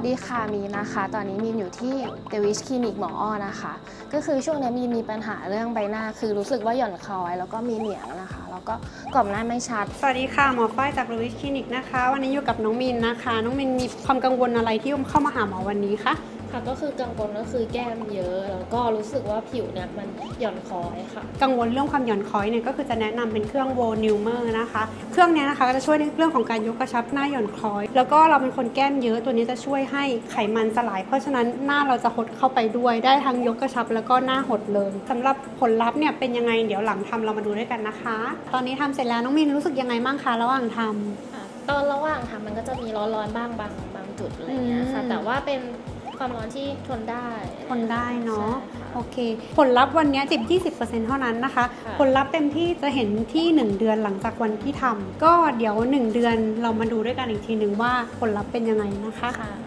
สดีค่ะมีนนะคะตอนนี้มีนอยู่ที่เดวิชคลินิกหมออ้อนะคะก็คือช่วงนี้มีนมีปัญหาเรื่องใบหน้าคือรู้สึกว่าหย่อนคล้อยแล้วก็มีเหนียงนะคะแล้วก็กรอบหน้าไม่ชัดสวัสดีค่ะหมอฝ้ายจาก Louis Clinic นะคะวันนี้อยู่กับน้องมินนะคะน้องมินมีความกังวลอะไรที่เข้ามาหาหมอวันนี้คะค่ะก็คือกังวลก็คือแก้มเยอะแล้วก็รู้สึกว่าผิวเนี่ยมันหย่อนคล้อยค่ะกังวลเรื่องความหย่อนคล้อยเนี่ยก็คือจะแนะนำเป็นเครื่อง Volumer นะคะเครื่องนี้นะคะจะช่วยในเรื่องของการยกกระชับหน้าหย่อนคล้อยแล้วก็เราเป็นคนแก้มเยอะตัวนี้จะช่วยให้ไขมันสลายเพราะฉะนั้นหน้าเราจะหดเข้าไปด้วยได้ทั้งยกกระชับแล้วก็หน้าหดเลยสำหรับผลลัพธ์เนี่ยเป็นยังไงเดี๋ยวหลังทำเรามาดูด้วยกันนะคะตอนนี้ทำเสร็จแล้วน้องมินรู้สึกยังไงบ้างคะระหว่างทำตอนระหว่างทำมันก็จะมีร้อนๆบ้างบางจุดอะไรเงี้ยค่ะแต่ว่าเป็นความร้อนที่ทนได้เนาะโอเคผลลัพธ์วันนี้ 10-20% เท่านั้นนะคะผลลัพธ์เต็มที่จะเห็นที่1เดือนหลังจากวันที่ทำก็เดี๋ยว1เดือนเรามาดูด้วยกันอีกทีนึงว่าผลลัพธ์เป็นยังไงนะคะ